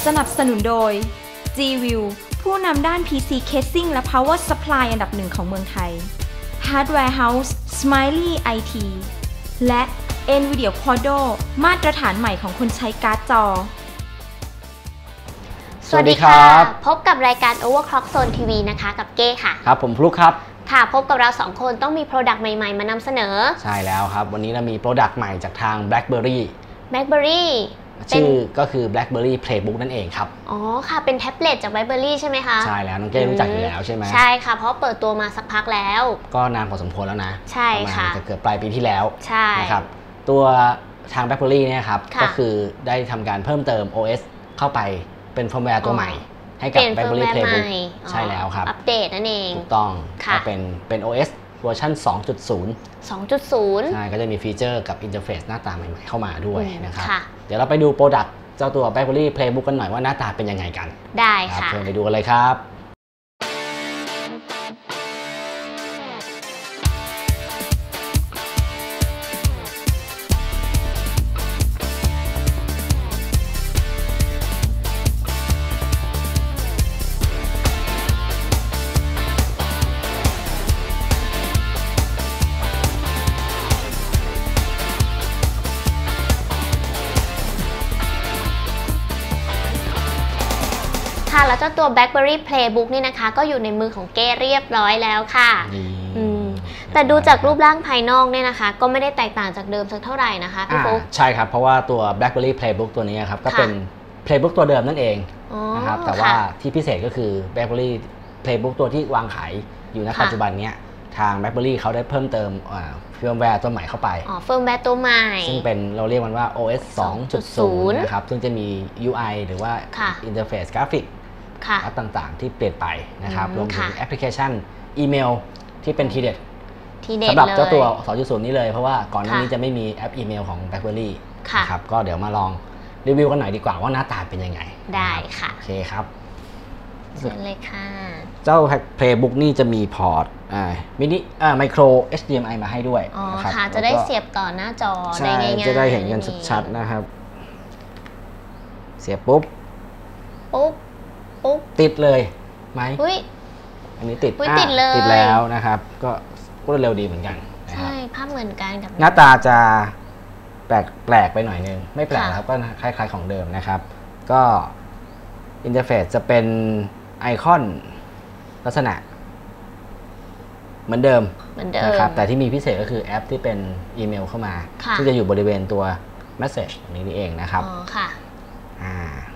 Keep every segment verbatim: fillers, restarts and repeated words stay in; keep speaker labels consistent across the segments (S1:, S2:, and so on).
S1: สนับสนุนโดย G-View ผู้นำด้าน พี ซี Casing และ Power Supply อันดับหนึ่งของเมืองไทย Hardware House Smiley ไอ ที และ NVIDIA Quadro มาตรฐานใหม่ของคนใช้การ์ดจอ
S2: สวัสดีครับพบกับรายการ Overclock Zone ที วี นะคะกับเก้ค่ะ
S3: ครับผมฟลุ๊กครับ
S2: ค่ะพบกับเราสองคนต้องมี Product ใหม่ๆมานำเสนอ
S3: ใช่แล้วครับวันนี้เรามี Product ใหม่จากทาง BlackBerry
S2: BlackBerry
S3: ชื่อก็คือ BlackBerry Playbook นั่นเองครับ
S2: อ๋อค่ะเป็นแท็บเล็ตจาก BlackBerry ใช่ไหมคะ
S3: ใช่แล้วน้องเก้รู้จักอยู่แล้วใช่ไหม
S2: ใช่ค่ะเพราะเปิดตัวมาสักพักแล้ว
S3: ก็นานพอสมควรแล้วนะ
S2: ใช่ค่ะ
S3: จะเกือบปลายปีที่แล้ว
S2: ใช่
S3: นะครับตัวทาง BlackBerry เนี่ยครับก็คือได้ทำการเพิ่มเติม โอ เอส เข้าไปเป็นเฟิร์มแวร์ตัวใหม่ให้กับ BlackBerry Playbook
S2: ใช่
S3: แล้วครับ
S2: อัปเดตนั่นเอง
S3: ถูกต้องก็เป็นเป็น โอ เอส เวอร์ชัน สองจุดศูนย์
S2: สองจุดศูนย์
S3: ใช่ก็จะมีฟีเจอร์กับอินเทอร์เฟซหน้าตาใหม่ๆเข้ามาด้วยนะครับเดี๋ยวเราไปดูโปรดักต์เจ้าตัว BlackBerry Playbook กันหน่อยว่าหน้าตาเป็นยังไงกัน
S2: ได้ค่ะ
S3: เชิญไปดูกันเลยครับ
S2: ค่ะแล้วเจ้าตัว BlackBerry Playbook นี่นะคะก็อยู่ในมือของเก้เรียบร้อยแล้วค่ะแต่ดูจากรูปร่างภายนอกเนี่ยนะคะก็ไม่ได้แตกต่างจากเดิมสักเท่าไหร่นะคะพี่ฟุ๊ก
S3: ใช่ครับเพราะว่าตัว BlackBerry Playbook ตัวนี้ครับก็เป็น Playbook ตัวเดิมนั่นเองนะครับแต่ว่าที่พิเศษก็คือ BlackBerry Playbook ตัวที่วางขายอยู่ณปัจจุบันนี้ทาง BlackBerry เขาได้เพิ่มเติมเฟิร์มแวร์ตัวใหม่เข้าไป
S2: อ๋อเฟิร์มแวร์ตัวใหม่
S3: ซึ่งเป็นเราเรียกมันว่า โอ เอส สองจุดศูนย์ นะครับซึ่งจะมี ยู ไอ หรือว่าอินเทอร์เฟซกราฟิกต่างๆที่เปลี่ยนไปนะครับรวมถึงแอปพลิเคชันอีเมลที่เป็นทีเด็ดสำหรับเจ้าตัว สองจุดศูนย์ นี้เลยเพราะว่าก่อนหน้านี้จะไม่มีแอปอีเมลของ BlackBerry นะครับก็เดี๋ยวมาลองรีวิวกันหน่อยดีกว่าว่าหน้าตาเป็นยังไง
S2: ได้ค่ะ
S3: โอเคครับ
S2: เชิญเลยค่ะ
S3: เจ้า Playbook นี่จะมีพอร์ตมินิไมโคร เอช ดี เอ็ม ไอ มาให้ด้วย
S2: อ๋อค่ะจะได้เสียบต่อหน้าจอได้ง่ายๆ
S3: จะได้เห็นกันชัดๆนะครับเสียบปุ๊บ
S2: ปุ๊บปุ๊บ
S3: ติดเลยไหมอันนี้ติด
S2: ติดเลย
S3: ติดแล้วนะครับก็รวดเร็วดีเหมือนกัน
S2: ใช่ภาพเหมือนกันกับ
S3: หน้าตาจะแปลกแปลกไปหน่อยนึงไม่แปลกครับก็คล้ายๆของเดิมนะครับก็อินเทอร์เฟซจะเป็นไอคอนลักษณะเหมือนเดิมนะครับแต่ที่มีพิเศษก็คือแอปที่เป็นอีเมลเข้ามาที่จะอยู่บริเวณตัว Message ตรงนี้นี่เองนะครับ
S2: อ๋อค่ะ
S3: อ่า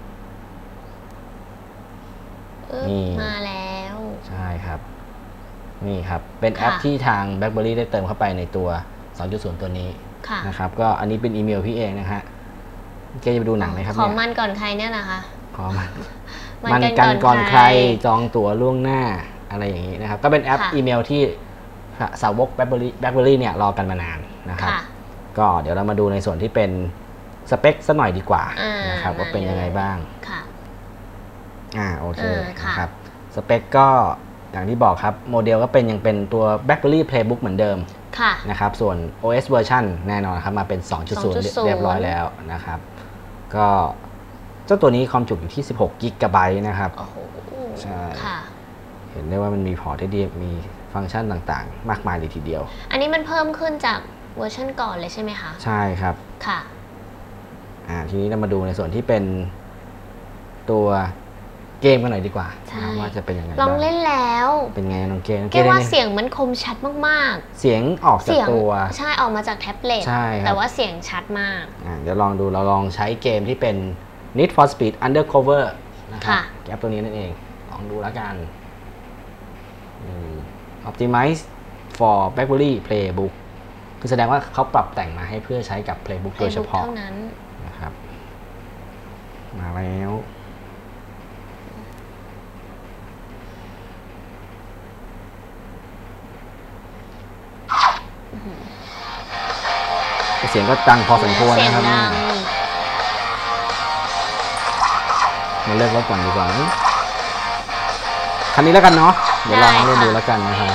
S2: นี่มาแล้ว
S3: ใช่ครับนี่ครับเป็นแอปที่ทาง BlackBerry ได้เติมเข้าไปในตัว สองจุดศูนย์ ตัวนี้นะครับก็อันนี้เป็นอีเมลพี่เองนะฮะเจ๊จะไปดูหนังไหมครับ
S2: ขอมันก่อนใครเนี่ยนะคะ
S3: ขอมันมันกันก่อนใครจองตั๋วล่วงหน้าอะไรอย่างนี้นะครับก็เป็นแอปอีเมลที่สาวก BlackBerry BlackBerry เนี่ยรอกันมานานนะครับก็เดี๋ยวเรามาดูในส่วนที่เป็นสเปคสักหน่อยดีกว่านะครับว่าเป็นยังไงบ้างอ่าโอเคนะครับสเปคก็อย่างที่บอกครับโมเดลก็เป็นยังเป็นตัว BlackBerry Playbook เหมือนเด นะครับส่วน โอ เอส เวอร์ชันแน่นอนครับมาเป็น สองจุดศูนย์ เรียบร้อยแล้วนะครับก็เจ้าตัวนี้ความจุอยู่ที่สิบหกกิกะไบต์นะครับใช่เห็นได้ว่ามันมีพอร์ตที่ดีมีฟังก์ชันต่างๆมากมายเลยทีเดียว
S2: อันนี้มันเพิ่มขึ้นจากเวอร์ชันก่อนเลยใช่ไหมคะ
S3: ใช่ครับ
S2: ค่ะ
S3: อ่าทีนี้เรามาดูในส่วนที่เป็นตัวเกมกันหน่อยดีกว่าว่าจะเป็นยังไง
S2: ลองเล่นแล้ว
S3: เป็นไงน้องเกม
S2: เกมว่าเสียงมันคมชัดมาก
S3: ๆเสียงออกจากตัว
S2: ใช่ออกมาจากแท็บเล็ตแต่ว่าเสียงชัดมาก
S3: อ่าเดี๋ยวลองดูเราลองใช้เกมที่เป็น Need for Speed Undercover นะครับแอปตัวนี้นั่นเองลองดูแล้วกัน Optimize for BlackBerry Playbook คือแสดงว่าเขาปรับแต่งมาให้เพื่อใช้กับ Playbook โดยเฉพาะนะครับมาแล้วเสียงก็ดังพอสมควรนะครับมาเลือกรถก่อนดีกว่าคันนี้แล้วกันเนาะเดี๋ยวลองเล่นดูแล้วกันนะครับ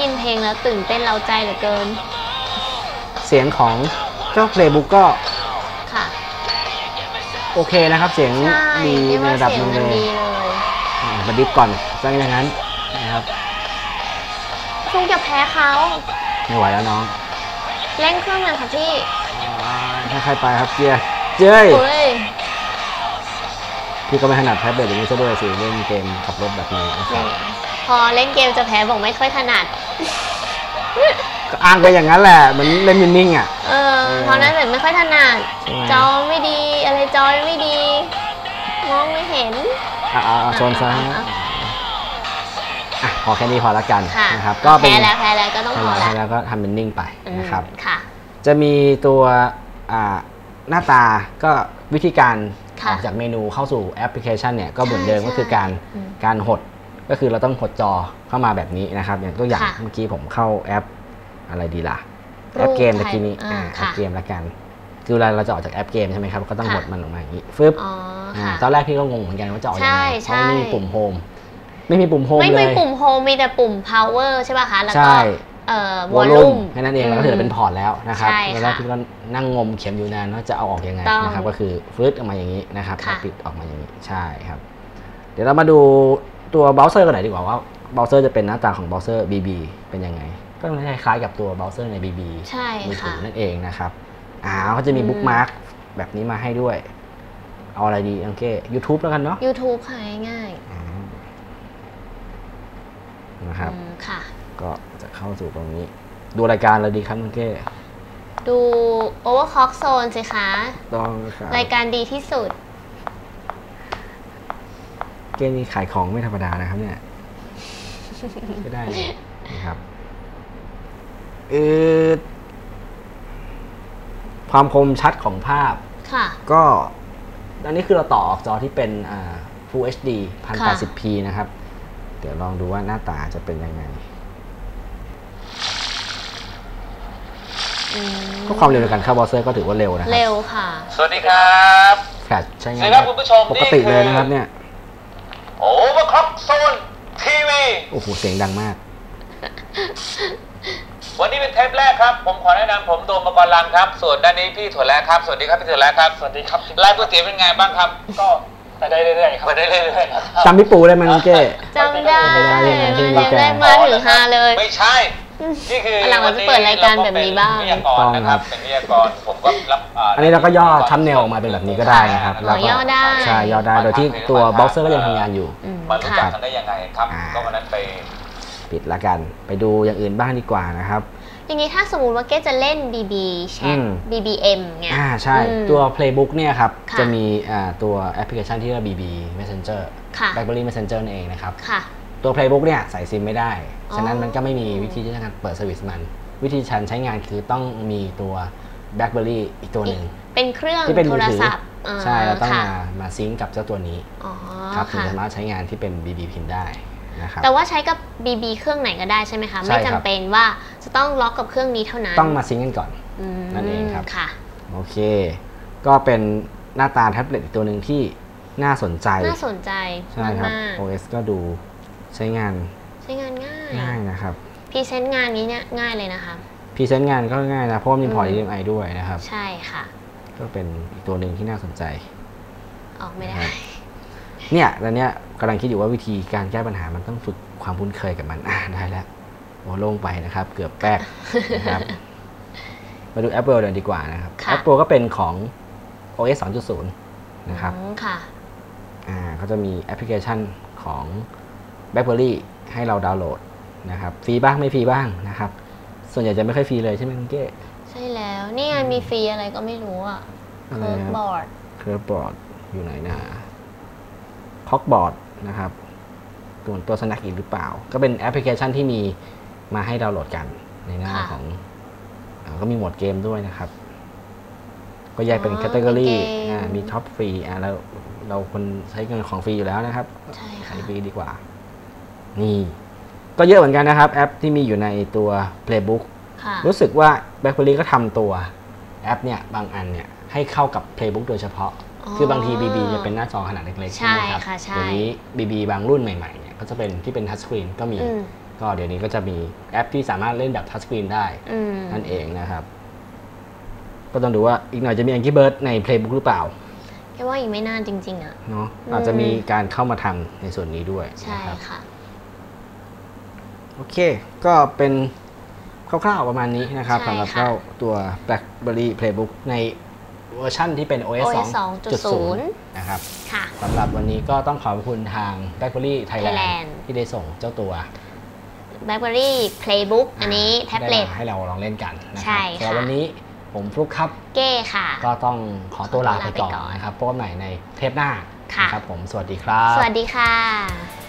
S2: ยินเพลงแล้วตื่นเต้นเร้าใจเหลือเกิน
S3: เสียงของเจ้า Playbook ก็
S2: ค่ะ
S3: โอเคนะครับเสียงดีในระดับนึงเลยมาดิฟก่อนจังอย่างนั้นนะครับ
S2: คุณจะแพ้เขา
S3: ไม่ไหวแล้วน้อง
S2: เร่งเครื่องหน่อยค่ะพี่
S3: ค่อยๆไปครับเจียเจ้ยพี่ก็ไม่ถนัดแท็บเล็ตอย่างนี้ซะด้วยสิเล่นเกมขับรถแบบนี้นะครับ
S2: พอเล่นเกมจะแพ้บอกไม่ค่อยถนัด
S3: ก็อ้างไปอย่างนั้นแหละเหมือนเล่นมินนิ่งอ่ะ
S2: เออเพราะนั้นแบบไม่ค่อยถนัดจอไม่ดีอะไรจอไม่ดีมองไม่เห็น
S3: อ่าโซนซ้ายอ่ะพอแค่นี้พอละกันนะครับ
S2: ก็แพ้แล้วแพ้แล้วก็ต้องพอแล้ว
S3: แล้วก็ทำเป็นนิ่งไปนะครับ
S2: ค่ะ
S3: จะมีตัวหน้าตาก็วิธีการออกจากเมนูเข้าสู่แอปพลิเคชันเนี่ยก็เหมือนเดิมก็คือการการหดก็คือเราต้องหดจอเข้ามาแบบนี้นะครับอย่างตัวอย่างเมื่อกี้ผมเข้าแอปอะไรดีล่ะแอปเกมตะกี้นี้แอปเกมละกันคือเวลาเราจะออกจากแอปเกมใช่ไหมครับก็ต้องหดมันออกมาอย่างนี้ฟึบตอนแรกพี่ก็งงเหมือนกันว่าจะออกยังไงเพราะไม่มีปุ่มโฮมไม่มีปุ่มโฮมเลยไม่
S2: มีปุ่มโฮมมีแต่ปุ่ม power ใช่ป่ะคะแล้วก็เอ่อ volume
S3: แค่นั้นเองแล้วก็ถือเป็นพอร์ตแล้วนะครับแล้วพี่ก็นั่งงมเข็มอยู่นานว่าจะเอาออกยังไงนะครับก็คือฟึดออกมาอย่างนี้นะครับปิดออกมาอย่างนี้ใช่ครับเดี๋ยวเรามาดูตัวเบราว์เซอร์กันหน่อยดีกว่าว่าเบราว์เซอร์จะเป็นหน้าตาของเบราว์เซอร์ บี บี เป็นยังไงก็คล้ายๆกับตัวเบราว์เซอร์ใน บี บี มือถือนั่นเองนะครับอ่าเขาจะมีบุ๊กมาร์กแบบนี้มาให้ด้วยเอาอะไรดีอังเก้ YouTube แล้วกันเนาะ
S2: YouTube ค่ะง่าย
S3: นะครับ
S2: ค่ะ
S3: ก็จะเข้าสู่ตรงนี้ดูรายการอะไรดีครับอังเก้
S2: ดู Overclock Zone สิคะ
S3: ต้องครับ
S2: รายการดีที่สุด
S3: เกมนี้ขายของไม่ธรรมดานะครับเนี่ยก็ได้นะครับเออความคมชัดของภาพก็อันนี้คือเราต่อออกจอที่เป็น Full เอช ดี หนึ่งพันแปดสิบพี นะครับเดี๋ยวลองดูว่าหน้าตาจะเป็นยังไงก็ความเร็วในการเข้าเบราว์เซอร์ก็ถือว่าเร็วนะครับ
S2: เร็วค่ะ
S4: สวัสดีครับ
S3: แฟลชใช้งาน
S4: ป
S3: กติเลยนะครับเนี่ย
S4: Overclock Zone ที วี
S3: โอ้โหเสียงดังมาก
S4: วันนี้เป็นเทปแรกครับผมขอแนะนำผมโดม มกรลังครับส่วนด้านนี้พี่ถั่วแระครับสวัสดีครับพี่ถั่วแระครับสวัสดีครับร้านก๋วยเตี๋ยวเป็นไงบ้างครับก็ไปได้เรื่อยๆครับไปได้เรื่อยๆครับ
S3: จำพี่ปูได้ไหมน้องเจ้
S2: จำได้ได้มาถึงฮาเลย
S4: ไม่ใช่นี่คือ
S2: หลังเราจะเปิดรายการแบบนี้บ้าง
S4: ต้องครับเป็นวิทยากรผมก็รับ
S3: อันนี้เราก็ย่อทัมเนลออกมาเป็นแบบนี้ก็ได้นะครับ
S2: ย่อได้
S3: ใช่ย่อได้โดยที่ตัวเบราว์เซอร์ก็ยังทำงานอยู่
S4: มารู้จักกันได้ยังไงครับก็วันนั้นไป
S3: ปิดละกันไปดูอย่างอื่นบ้างดีกว่านะครับ
S2: อย่างนี้ถ้าสมมุติว่าเก้จะเล่น บี บี Chat บี บี เอ็ม เนี่ย
S3: อ่าใช่ตัว Playbook เนี่ยครับจะมีตัวแอปพลิเคชันที่เรียกว่า บี บี Messenger BlackBerry Messenger นั่นเองนะครับตัว Playbook เนี่ยใส่ซิมไม่ได้ฉะนั้นมันก็ไม่มีวิธีที่จะเปิดสวิตช์มันวิธีการใช้งานคือต้องมีตัว BlackBerry อีกตัวหนึ่ง
S2: เป็นเครื่อง
S3: ที่เป็น
S2: โทรศัพท์
S3: ใช่เราต้องมามาซิงก์กับเจ้าตัวนี้ครับถึงจะสามารถใช้งานที่เป็น บี บี พินได้
S2: แต่ว่าใช้กับ บี บี เครื่องไหนก็ได้ใช่ไหมคะไม่จำเป็นว่าจะต้องล็อกกับเครื่องนี้เท่านั้น
S3: ต้องมาซิงก์กันก่อนนั่นเองครับโอเคก็เป็นหน้าตาแท็บเล็ตอีกตัวหนึ่งที่น่าสนใจ
S2: น่าสนใจ
S3: ใช่ครับ โอ เอส ก็ดูใช้งาน
S2: ใช้งานง่าย
S3: ง่ายนะครับ
S2: พรีเซนต์งานนี้เนี่ยง่ายเลยนะคะ
S3: พรีเซนต์งานก็ง่ายนะเพราะมีพอร์ต เอช ดี เอ็ม ไอ ด้วยนะครับ
S2: ใช่ค่ะ
S3: ก็เป็นอีกตัวหนึ่งที่น่าสนใจ
S2: ออกไม่ได้
S3: เนี่ยตอนเนี้ยกำลังคิดอยู่ว่าวิธีการแก้ปัญหามันต้องฝึกความคุ้นเคยกับมันอ่ะได้แล้วโอ้โล่งไปนะครับเกือบแป๊กนะครับมาดู Apple เดินดีกว่านะครับ Apple ก็เป็นของ โอ เอส สองจุดศูนย์ นะครับ
S2: ค่ะ
S3: อ่าเขาจะมีแอปพลิเคชันของ BlackBerry ให้เราดาวน์โหลดนะครับฟรีบ้างไม่ฟรีบ้างนะครับส่วนใหญ่จะไม่ค่อยฟรีเลยใช่ไหมคุณเก้
S2: ใช่แล้วนี่ไงมีฟรีอะไรก็ไม่รู้อ่ะเคิร์ฟบอร์ด
S3: เคิร์ฟบอร์ดอยู่ไหนนะพ็อกบอร์ดนะครับตัวตัวสแน็คอีกหรือเปล่าก็เป็นแอปพลิเคชันที่มีมาให้ดาวน์โหลดกันในหน้าของก็มีโหมดเกมด้วยนะครับก็แยกเป็นแคตตากรีมีท็อปฟรีอ่าแล้วเราคนใช้เงินของฟรีอยู่แล้วนะครับใช้ฟรีดีกว่านี่ก็เยอะเหมือนกันนะครับแอปที่มีอยู่ในตัว Playbook รู้สึกว่า BlackBerry ก็ทำตัวแอปเนี่ยบางอันเนี่ยให้เข้ากับ Playbook โดยเฉพาะคือบางที บี บี จะเป็นหน้าจอขนาดเล็กๆใช่ไหมครับเดี๋ยวนี้ บี บี บางรุ่นใหม่ๆเนี่ยก็จะเป็นที่เป็นทัชสกรีนก็มีก็เดี๋ยวนี้ก็จะมีแอปที่สามารถเล่นแบบทัชสกรีนได้นั่นเองนะครับก็ต้องดูว่าอีกหน่อยจะมี Angry Birds ใน Playbook หรือเปล่า
S2: แค่ว่าอีกไม่นานจริงๆอ่ะ
S3: เนาะอาจจะมีการเข้ามาทำในส่วนนี้ด้วย
S2: ใช่ค่ะ
S3: โอเคก็เป็นคร่าวๆประมาณนี้นะครับสำหรับเจ้าตัว BlackBerry Playbook ในเวอร์ชั่นที่เป็น โอ เอส สองจุดศูนย์ นะครับสำหรับวันนี้ก็ต้องขอบคุณทาง BlackBerry Thailand ที่ได้ส่งเจ้าตัว
S2: BlackBerry Playbook อันนี้แท็บเล็ต
S3: ให้เราลองเล่นกันนะครับสำหรับวันนี้ผมฟลุ๊กครับ
S2: เก้ค่ะ
S3: ก็ต้องขอตัวลาไปก่อนนะครับพบกันใหม่ในเทปหน้าครับผมสวัสดีครับ
S2: สวัสดีค่ะ